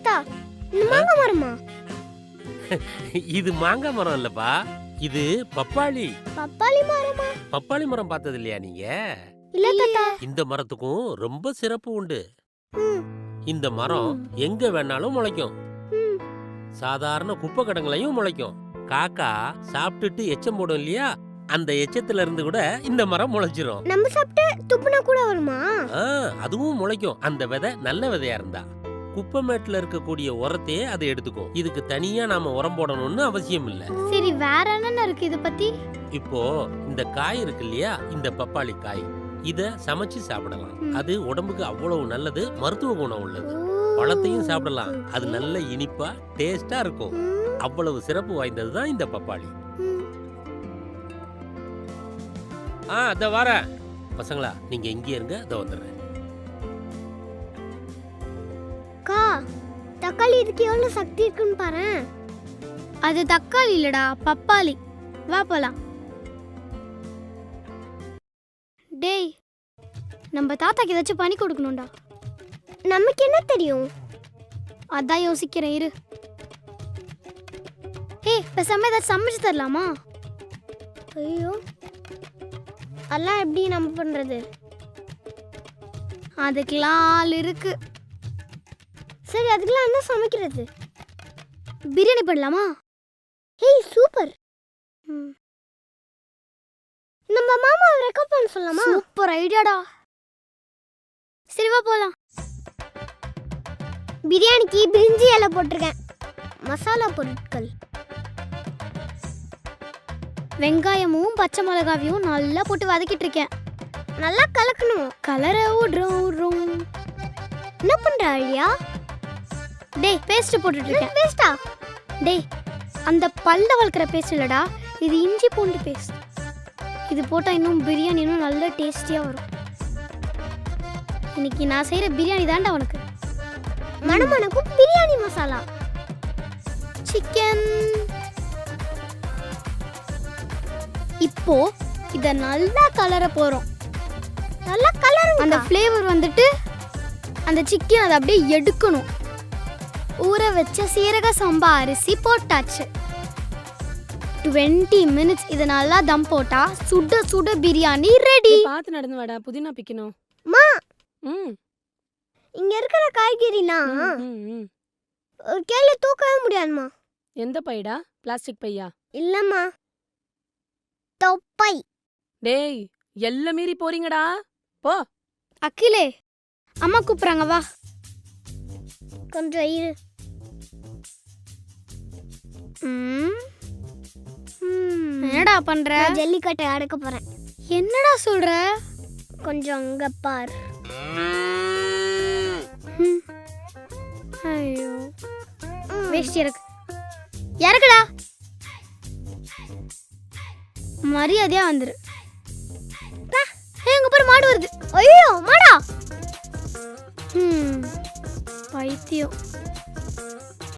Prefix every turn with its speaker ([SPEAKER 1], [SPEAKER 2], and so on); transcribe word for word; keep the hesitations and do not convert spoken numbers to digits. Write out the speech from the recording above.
[SPEAKER 1] தாத்தா இந்த மாங்காய் மரமா?
[SPEAKER 2] இது மாங்காய் மரம் இல்லப்பா, இது பப்பாளி.
[SPEAKER 1] பப்பாளி மரமா?
[SPEAKER 2] பப்பாளி மரம் பார்த்தது இல்லையா நீங்க?
[SPEAKER 1] இல்ல தாத்தா.
[SPEAKER 2] இந்த மரத்துக்கும் ரொம்ப சிறப்பு உண்டு.
[SPEAKER 1] ம்.
[SPEAKER 2] இந்த மரம் எங்க வேணாலும் முளைக்கும்.
[SPEAKER 1] ம்.
[SPEAKER 2] சாதாரண குப்பை கடங்களையும் முளைக்கும். காக்கா சாப்பிட்டுட்டு எச்சம் போடும் இல்லையா, அந்த எச்சத்துல இருந்து கூட இந்த மரம் முளைச்சிரும்.
[SPEAKER 1] நம்ம சாப்பிட்டு துப்புனா கூட வருமா?
[SPEAKER 2] ஆ, அதுவும் முளைக்கும். அந்த விதை நல்ல விதையா இருந்தா. குப்பை மேட்ல இருக்கக்கூடிய உரத்தையே அதை எடுத்துக்கும். இதுக்கு தனியா நாம உரம் போடணும்னு அவசியம் இல்ல.
[SPEAKER 1] சரி, வேற என்ன இருக்கு இத பத்தி?
[SPEAKER 2] இப்போ இந்த காய் இருக்கு இல்லையா, இந்த பப்பாளி காய், இத சமைச்சு சாப்பிடலாம். அது உடம்புக்கு அவ்வளவு நல்லது, மருத்துவ குணம் உள்ளது. பழத்தையும் சாப்பிடலாம், அது நல்ல இனிப்பா டேஸ்டா இருக்கும். அவ்வளவு சிறப்பு வாய்ந்ததுதான் இந்த பப்பாளி. ஆ, அத வரேன். பசங்களா, நீங்க இங்கே இருங்க, அத வந்துடுறேன்.
[SPEAKER 1] கா, தக்காளி இதுக்கு எவ்வளவு சக்தி இருக்குன்னு பாரு. அது தக்காளி இல்லடா, பப்பாளி. வா போலாம். டேய், நம்ம தாத்தாக்கு ஏதாச்சும் பண்ணி கொடுக்கணும்டா. நமக்கு என்ன தெரியும்? அதான் யோசிக்கிறேன், இரு. ஏய், பேசாம ஏதாச்சும் சமைச்சு தரலாமா? ஐயோ, அதெல்லாம் எப்படி நம்ம பண்றது? அதுக்கெல்லாம் ஆள் இருக்கு. சரி, அதுக்கெல்லாம் என்ன சமைக்கிறது? பிரியாணி பண்ணலாமா? ஏய், சூப்பர். நம்ம மாமாவை ரெக்கார்ட் பண்ண சொல்லலாமா? சூப்பர் ஐடியாடா. சரி, வா போலாம். பிரியாணிக்கு பிரிஞ்சி இலை போட்டிருக்கேன். மசாலா பொருட்கள்: வெங்காயமும் பச்சை மிளகாவையும் நல்லா போட்டு வதக்கிட்டு இருக்கேன். நல்லா கலக்கணும். கலரை விடுறோம் விடுறோம். என்ன பண்ற ஐயா? டேய், பேஸ்ட் போட்டுட்டு இருக்கேன். பேஸ்டா? டேய், அந்த பல்ல வளர்க்குற பேஸ்ட் இல்லடா, இது இஞ்சி பூண்டு பேஸ்ட். இது போட்டால் இன்னும் பிரியாணி இன்னும் நல்ல டேஸ்டியாக வரும். இன்னைக்கு நான் செய்கிற பிரியாணி தாண்டா உனக்கு. மணமணக்கும் பிரியாணி மசாலா. சிக்கன். இப்போ இத நல்லா கலர போறோம். நல்லா கலர். அந்த ஃப்ளேவர் வந்துட்டு அந்த சிக்கன் அதை அப்படியே எடுக்கணும். ஊற வச்ச சீரக சம்பா அரிசி போட்டாச்சு. இருபது மினிட்ஸ் இத நல்லா தம் போட்டா சுட சுட பிரியாணி ரெடி.
[SPEAKER 3] பாத்து நடந்து வாடா, புதினா பிக்கணும்.
[SPEAKER 1] மா,
[SPEAKER 3] ம்
[SPEAKER 1] இங்க இருக்கிற காய்கறிலாம்
[SPEAKER 3] ம்
[SPEAKER 1] ஒரு கேல தூக்கவே முடியாதுமா.
[SPEAKER 3] எந்த பைடா? பிளாஸ்டிக் பையா?
[SPEAKER 1] இல்லம்மா, தொப்பை.
[SPEAKER 3] டேய், எல்லாம் மீறி போறீங்கடா, போ.
[SPEAKER 1] அகிலே, அம்மா கூப்பிடுறாங்க, வா. கொஞ்சம் இரு. என்னடா பண்ற? ஜல்லிக்கட்டை அடக்க போறேன். என்னடா சொல்ற? கொஞ்சம் அங்க பார். ஐயோ, வேஸ்ட் இருக்கு. இறக்குடா. மரியாதையா வந்துரு. எங்க பாரு, மாடு வருது. ஐயோ, மாடா. ம் பைத்தியம்.